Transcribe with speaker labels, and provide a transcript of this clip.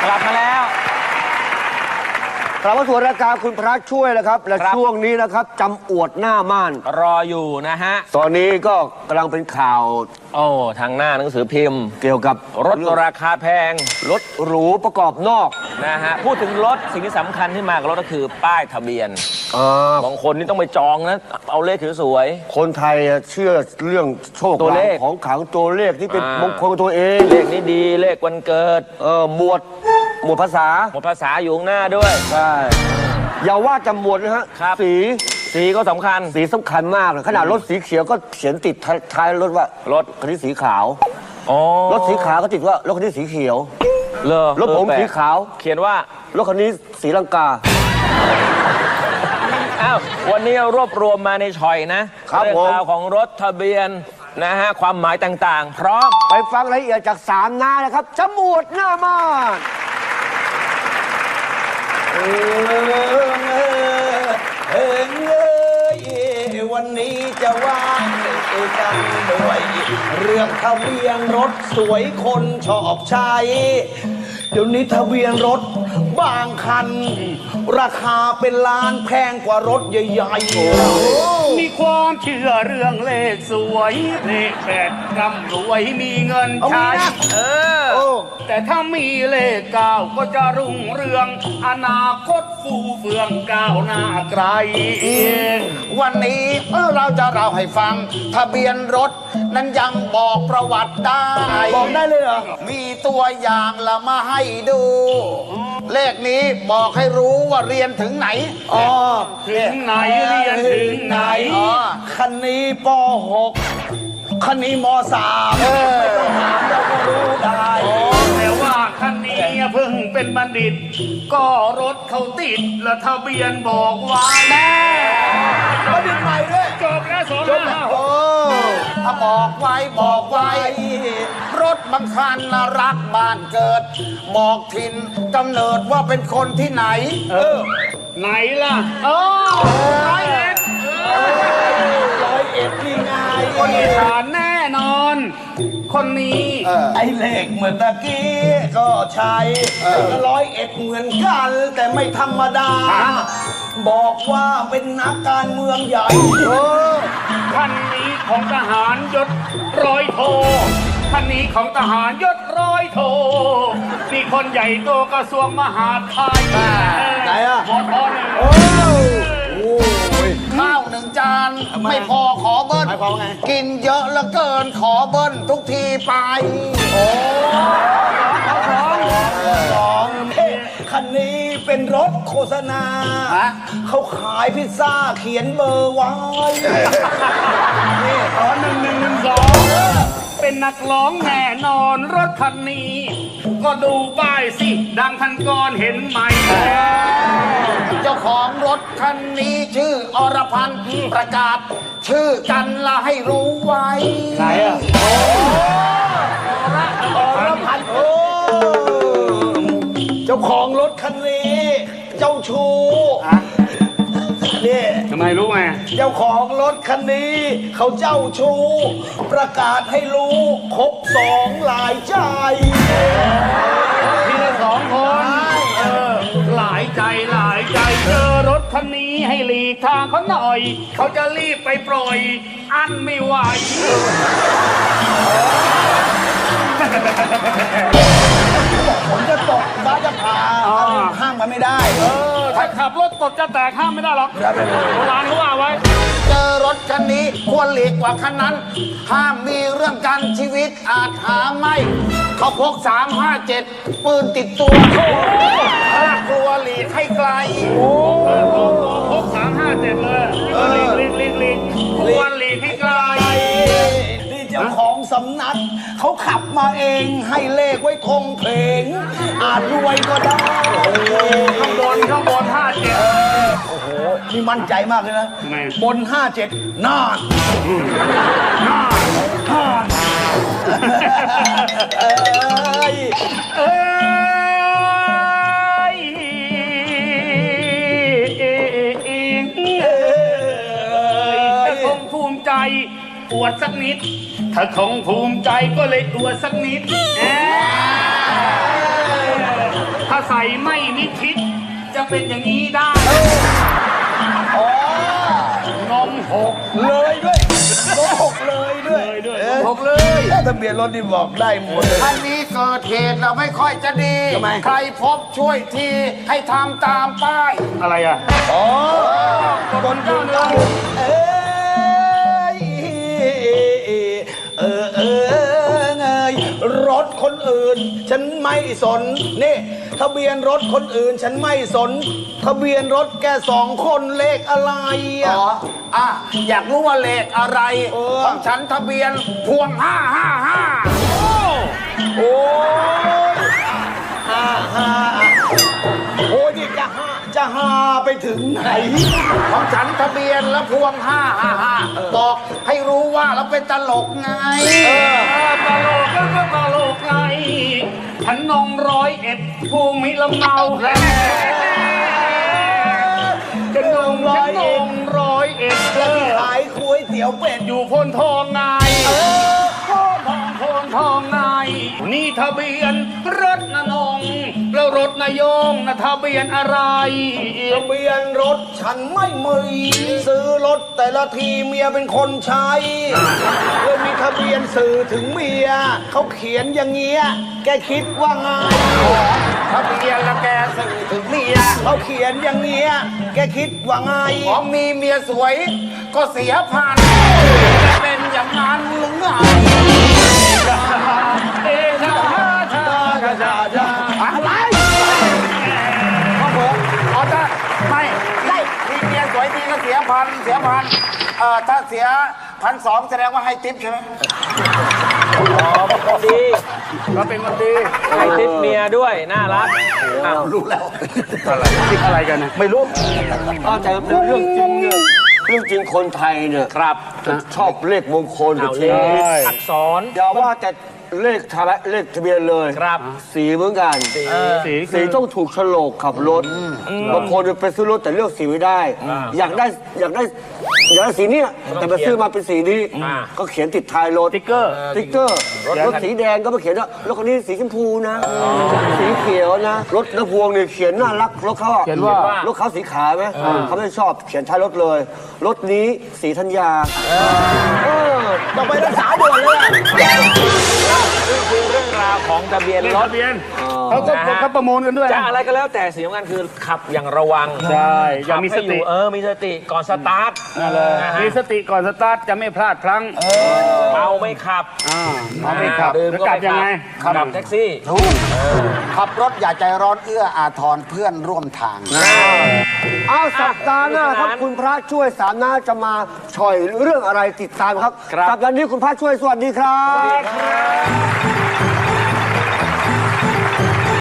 Speaker 1: กลับมาแล้ว
Speaker 2: กลับมาสู่รายการคุณพระช่วยนะครับและช่วงนี้นะครับจำอวดหน้าม่าน
Speaker 1: รออยู่นะฮะ
Speaker 2: ตอนนี้ก็กำลังเป็นข่าว
Speaker 1: ทางหน้าหนังสือพิมพ์
Speaker 2: เกี่ยวกับ
Speaker 1: รถราคาแพง
Speaker 2: รถหรูประกอบนอก
Speaker 1: นะฮะพูดถึงรถสิ่งที่สำคัญที่มากับรถก็คือป้ายทะเบียนบางคนนี่ต้องไปจองนะเอาเลขสวย
Speaker 2: ๆคนไทยเชื่อเรื่องโชค
Speaker 1: ตัวเลข
Speaker 2: ของขังตัวเลขที่เป็นมงคลกับตัวเอง
Speaker 1: เลขนี้ดีเลขวันเกิด
Speaker 2: หมวดภาษา
Speaker 1: อยู่ข้างหน้าด้วย
Speaker 2: ใช่อย่าว่าจะหมวดนะฮะ
Speaker 1: สีก็สำคัญ
Speaker 2: สีสำคัญมากเลยขนาดรถสีเขียวก็เขียนติดท้ายรถว่ารถคันนี้สีขาวรถสีขาวก็ติดว่ารถคันนี้สีเขียวรถผมสีขาว
Speaker 1: เขียนว่
Speaker 2: ารถคันนี้สีลังกา
Speaker 1: วันนี้รวบรวมมาในช่อยนะเรื่องราวของรถทะเบียนนะฮะความหมายต่างๆพร้อม
Speaker 2: ไปฟังรายละเอียดจาก3 หน้านะครับจมูกหน้าม่าน
Speaker 3: วันนี้จะว่ากันด้วยเรื่องทะเบียนรถสวยคนชอบใช้เดี๋ยวนี้ทะเบียนรถบางคันราคาเป็นล้านแพงกว่ารถใหญ่
Speaker 4: ๆมีความเชื่อเรื่องเลขสวยเลขแปดร่ำรวยมีเงินใช้แต่ถ้ามีเลข9ก็จะรุ่งเรืองอนาคตฟูเฟืองก้าวหน้าไกล
Speaker 3: วันนี้เราจะเล่าให้ฟังทะเบียนรถนั้นยังบอกประวัติได้
Speaker 2: บอกได้เลยเหรอ
Speaker 3: มีตัวอย่างละมาให้ดูเลขนี้บอกให้รู้ว่าเรียนถึงไหน
Speaker 4: ถึงไหนเรียนถึงไหน
Speaker 3: คันนี้ป.6 คันนี้ม.3ไม่ต้องถามเราก็รู้ได้
Speaker 4: แต่ว่าคันนี้เพิ่งเป็นบัณฑิตก็รถเขาติดและทะเบียนบอกไว้
Speaker 3: แน่บัณฑิตใหม่ด้วย
Speaker 4: จบแล้ว2
Speaker 3: 5 6บอกไว้รถบางคันน่ารักบ้านเกิดบอกถิ่นกำเนิดว่าเป็นคนที่ไหน
Speaker 4: ไหนล่ะ
Speaker 3: 101นี่ไง
Speaker 4: คนอีสานแน่นอนคนนี้
Speaker 3: ไอเลขเหมือนตะกี้ก็ใช้101เหมือนกันแต่ไม่ธรรมดาบอกว่าเป็นนักการเมืองใหญ่
Speaker 4: คันนี้ของทหารยศร้อยโทคันนี้ของทหารยศร้อยโทมีคนใหญ่โตกระทรวงมหาดไทย
Speaker 3: ไหน
Speaker 4: มท
Speaker 3: ข้าว1 จานไม่พอขอเบิ้ลกินเยอะเหลือเกินขอเบิ้ลทุกทีไปคันนี้เป็นรถโฆษณาเขาขายพิซซ่าเขียนเบอร์ไว้
Speaker 4: นี่1112เป็นนักร้องแน่นอนรถคันนี้ก็ดูป้ายสิดังทันก่อนเห็นไหม
Speaker 3: เจ้าของรถคันนี้ชื่ออรพันธ์ประกาศชื่อกันละให้รู้ไว้
Speaker 4: ไหน
Speaker 3: อรพันธ์เจ้าของรถคันนี้เจ้าชู้นี่
Speaker 4: ทำไมรู้ไง
Speaker 3: เจ้าของรถคันนี้เขาเจ้าชู้ประกาศให้รู้ครบ2หลายใจ
Speaker 4: ทีละ2 คนหลายใจเจอรถคันนี้ให้หลีกทางเขาหน่อยเขาจะรีบไปปล่อยอันไม่ไหว
Speaker 3: ผมจะตกบ้าจะพาห้างมันไม่ได้
Speaker 4: ถ้าขับรถตกจะแตกห้ามไม่ได้หรอกโบราณเขาว่าไว้
Speaker 3: เจอรถคันนี้ควรหลีกกว่าคันนั้นห้ามมีเรื่องกันชีวิตอาจหาไม่เขาพก357ปืนติดตัวถ้ากลัวหลีกให้ไกล
Speaker 4: พก357เลยหลีกควรหลีกให้ไกล
Speaker 3: นี่เจ้าของสำนักเขาขับมาเองให้เลขไว้ทงเพลงอาจรวยก็ได้
Speaker 4: ข้างบน57
Speaker 3: โอ้โหนี่มั่นใจมากเลยนะบน57น่าน
Speaker 4: คงภูมิใจอวดสักนิดถ้าคงภูมิใจก็เลยอวดสักนิดใส่ไม่มิดชิด จะเป็นอย่างนี้ได้นมหก
Speaker 3: เลยด้วยรถหกเลยด้วยหกเลยทะเบียนรถนี่บอกได้หมดเลย
Speaker 5: ท่านนี้เกิดเหตุเราไม่ค่อยจะดี
Speaker 3: ทำไม
Speaker 5: ใครพบช่วยทีให้ทำตามป้าย
Speaker 4: อะไรอ่ะ
Speaker 3: อ๋อคนอยู่เราเอ้ยรถคนอื่น ฉันไม่สนนี่ทะเบียนรถคนอื่น ฉันไม่สน ทะเบียนรถแก2 คนเลขอะไรอ่ะ
Speaker 5: อ๋ออ่ะอยากรู้ว่าเลขอะไร
Speaker 3: เออ
Speaker 5: ของฉันทะเบียนพวง 555
Speaker 3: โอ้ยโอ้ยนี่จะหาไปถึงไหน
Speaker 5: ของฉันทะเบียนและพวง 555 บอกให้รู้ว่าเราเป็นตลกไง
Speaker 4: ตลกก็ตลกไงฉันนง101ภูมิลำเนาฉันนง101
Speaker 3: แล้วที่ขายก๋วยเตี๋ยวเป็ด
Speaker 4: อยู่พนทองไงโพนทองไงนี่ทะเบียนรถนนงแล้วรถนายงนะทะเบียนอะไร
Speaker 3: ทะเบียนรถฉันไม่มีซื้อรถแต่ละทีเมียเป็นคนใช้เลยมีทะเบียนสื่อถึงเมียเขาเขียนอย่างเงี้ยแกคิดว่าไง
Speaker 5: ทะเบียนและแกสื่อถึงเมีย
Speaker 3: เขาเขียนอย่างเงี้ยแกคิดว่าไง
Speaker 5: ของมีเมียสวยก็เสียพันจะเป็นอย่างนั้นหรือไง
Speaker 4: เอชาชาชาชา
Speaker 5: อะไรครับผมอ๋อถ้าไม่ได้มีเมียสวยทีก็เสียพันถ้าเสีย1,200แสดงว่าให้ทิปใช่ไหม
Speaker 1: ดี
Speaker 4: ก็เป็นคนดี
Speaker 1: ให้ทิปเมียด้วยน่ารักอ้าว
Speaker 4: คิดอะไรกันนะ
Speaker 2: ไม่รู้แต่เป็นเรื่องจริงเนี่ยเรื่องจริงคนไทยเนี่ย
Speaker 1: ครับ
Speaker 2: ชอบเลขมงคลกับ
Speaker 1: เอา
Speaker 2: ชี
Speaker 1: เล
Speaker 2: วิต
Speaker 1: ขอักษร
Speaker 2: อย่าว่าแต่เลขทะเบียนเลย
Speaker 1: ครับ
Speaker 2: สีเหมือนกัน สีต้องถูกโฉลกขับรถบางคนไปซื้อรถแต่เลือกสีไม่ได้ อยากได้สีเนี้ยแต่ไปซื้อมาเป็นสีนี้ ก็เขียนติดท้ายรถ
Speaker 4: ติ๊กเกอร์
Speaker 2: สติ๊กเกอร์รถสีแดงก็มาเขียนว่ารถคันนี้สีชมพูนะสีเขียวนะรถน้ำพวงเนี่ยเขียนน่ารักรถเขาอะ
Speaker 4: เขียนว่า
Speaker 2: รถเขาสีขาวไหมเขาไม่ชอบเขียนท้ายรถเลยรถนี้สีธัญญา
Speaker 3: ต้องไปรักษาด่วนเลยอะ
Speaker 1: นี่คือเรื่องราวของทะเบียนรถ
Speaker 4: ทะเบียนเขาประมูลกันด้วย
Speaker 1: จะอะไรก็แล้วแต่สิ่งสำคัญคือขับอย่างระวัง
Speaker 4: ใช่อย่ามีสติ
Speaker 1: ขับให้อยู่มีสติก่อนสตาร์ทนะฮะ
Speaker 4: มีสติก่อนสตาร์ทจะไม่พลาดพลั้ง
Speaker 1: เมาไม่ขับ
Speaker 4: เอาไม่ขับ
Speaker 1: ดื่ม
Speaker 4: แล้ว
Speaker 1: ก็
Speaker 4: กลับ
Speaker 1: ไม่
Speaker 4: ยังไง
Speaker 1: ขับแท็กซี่
Speaker 5: ขับรถอย่าใจร้อนเอื้ออาทรเพื่อนร่วมทาง
Speaker 2: อ้าวสัปดาห์หน้าครับคุณพระช่วยสามน้าจะมาช่อยเรื่องอะไรติดตามครับ
Speaker 1: ครับ
Speaker 2: สัปดาห์นี้คุณพระช่วยสวัสดีครับ